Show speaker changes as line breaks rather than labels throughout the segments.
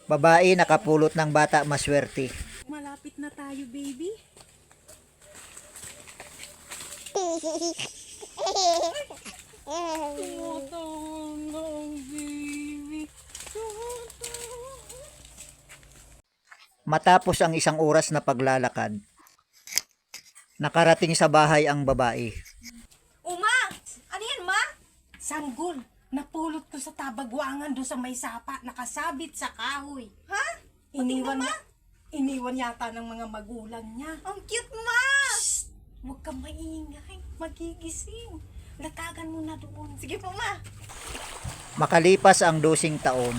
Babae nakapulot ng bata maswerte.
Malapit na tayo, baby. Tumatawag baby.
Matapos ang isang oras na paglalakad, nakarating sa bahay ang babae.
Uma! Ano yan, ma? Sanggol. Napulot ko sa tabagwangan doon sa may sapa. Nakasabit sa kahoy. Ha? Iniwan yata ng mga magulang niya. Ang cute, ma! Shh! Huwag kang maingay. Magigising. Latagan mo na doon. Sige po, ma.
Makalipas ang 12 taon,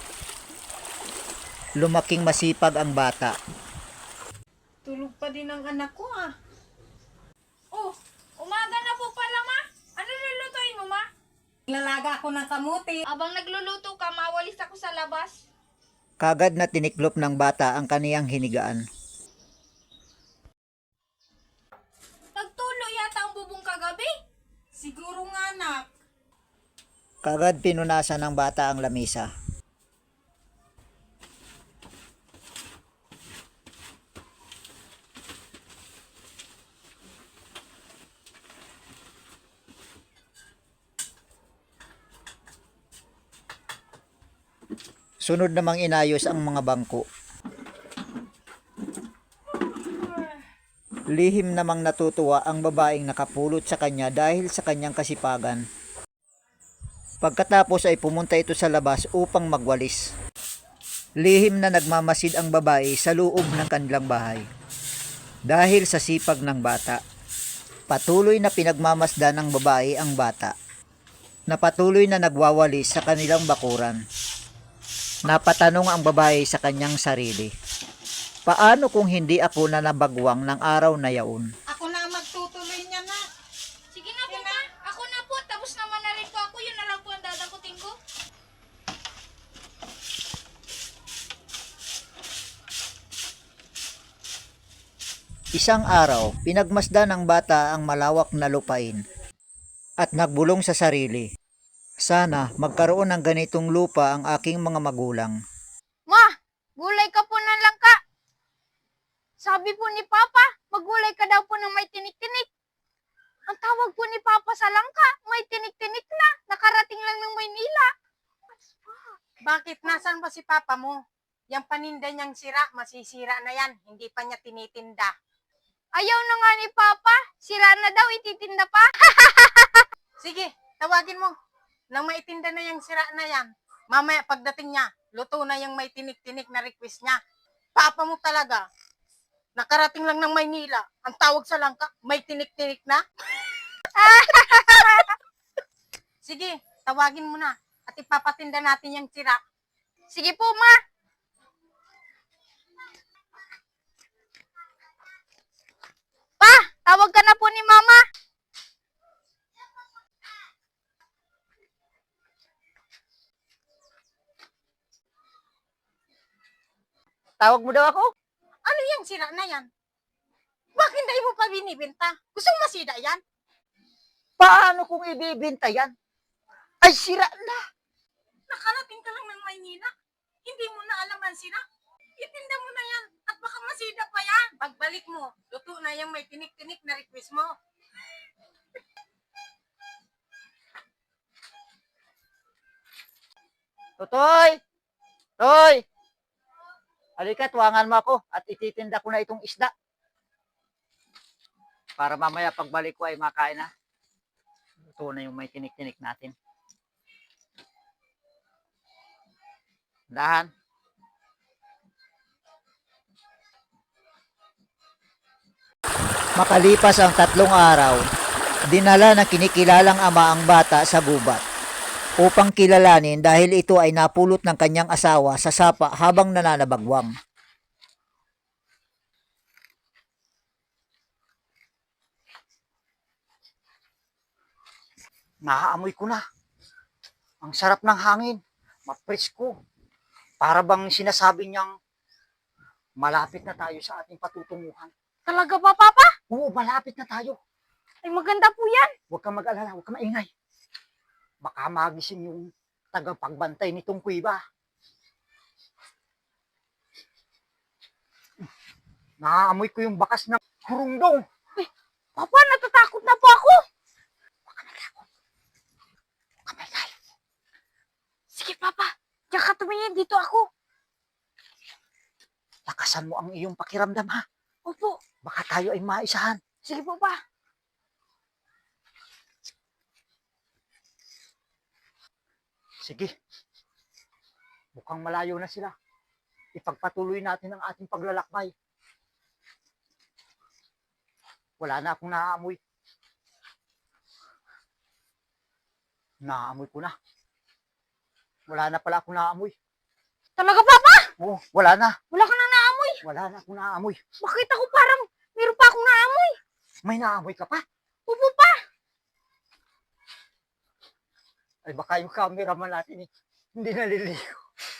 lumaking masipag ang bata.
Tulog pa din ang anak ko, ah.
Oh, umaga na po pala, ma. Ano lulutuin mo, ma?
Lalaga ko ng kamuti.
Abang nagluluto ka, mawalis ako sa labas.
Kagad na tiniklop ng bata ang kaniyang hinigaan.
Nagtulo yata ang bubong kagabi.
Siguro nga, anak.
Kagad pinunasan ng bata ang lamisa. Sunod namang inayos ang mga bangko. Lihim namang natutuwa ang babaeng nakapulot sa kanya dahil sa kanyang kasipagan. Pagkatapos ay pumunta ito sa labas upang magwalis. Lihim na nagmamasid ang babae sa loob ng kanilang bahay. Dahil sa sipag ng bata, patuloy na pinagmamasdan ng babae ang bata, na patuloy na nagwawalis sa kanilang bakuran. Napatanong ang babae sa kanyang sarili, paano kung hindi ako na nabagwang ng araw na yaon?
Ako na ang magtutuloy niya, na.
Sige na po, ma. Ako na po. Tapos naman na rin po ako. Yun na lang po ang dadakutin ko.
Isang araw, pinagmasdan ng bata ang malawak na lupain at nagbulong sa sarili, sana magkaroon ng ganitong lupa ang aking mga magulang.
Ma, gulay ka po ng langka. Sabi po ni Papa, maggulay ka daw po ng may tinik-tinik. Ang tawag po ni Papa sa langka, may tinik-tinik na. Nakarating lang ng Maynila.
Bakit? Nasaan ba si papa mo? Yang paninda niyang sira, masisira na yan. Hindi pa niya tinitinda.
Ayaw na nga ni Papa. Sira na daw, ititinda pa.
Sige, tawagin mo. Nang maitinda na yung sira na yan, mamaya pagdating niya, luto na yung may tinik-tinik na request niya. Papa mo talaga. Nakarating lang ng Maynila. Ang tawag sa langka, may tinik-tinik na. Sige, tawagin mo na. At ipapatinda natin yung sira.
Sige po, Ma. Pa, tawag ka na po ni Mama.
Tawag mo daw ako?
Ano yung sira na yan? Bakit hindi mo pa binibenta? Gusto mo masida yan?
Paano kung ibibenta yan? Ay, sira na!
Nakarating ka lang ng Maynila. Hindi mo na alam ang sira. Itinda mo na yan at baka masida pa yan. Pagbalik mo, luto na yung may tinik-tinik na request mo.
Totoy! Toy! Halika, tuwangan mo ako at ititinda ko na itong isda. Para mamaya pagbalik ko ay makain na. Ito na yung may tinik-tinik natin. Dahan. Makalipas ang 3 araw, dinala ng kinikilalang ama ang bata sa gubat upang kilalanin dahil ito ay napulot ng kanyang asawa sa sapa habang nananabagwang. Naaamoy ko na. Ang sarap ng hangin. Mapresko. Para bang sinasabi niyang malapit na tayo sa ating patutunguhan.
Talaga ba, Papa?
Oo, malapit na tayo.
Ay, maganda po yan.
Huwag kang mag-alala, huwag kang maingay. Baka magising yung tagapagbantay nitong kuiba. Naaamoy ko yung bakas ng hurungdong.
Papa, natatakot na po ako.
Kamay.
Sige, Papa. Diyan ka tumingin. Dito ako.
Lakasan mo ang iyong pakiramdam ha.
Opo.
Baka tayo ay maisahan.
Sige po, Pa.
Sige. Mukhang malayo na sila. Ipagpatuloy natin ang ating paglalakbay. Wala na akong naaamoy. Naaamoy ko na. Wala na pala akong naaamoy.
Talaga, Papa?
Oh, wala na.
Wala ka nang naamoy.
Wala na akong naaamoy.
Bakit ako parang meron pa akong naamoy?
May naaamoy ka pa?
Opo, Pa.
Ay baka yung cameraman natin eh, hindi naliligo.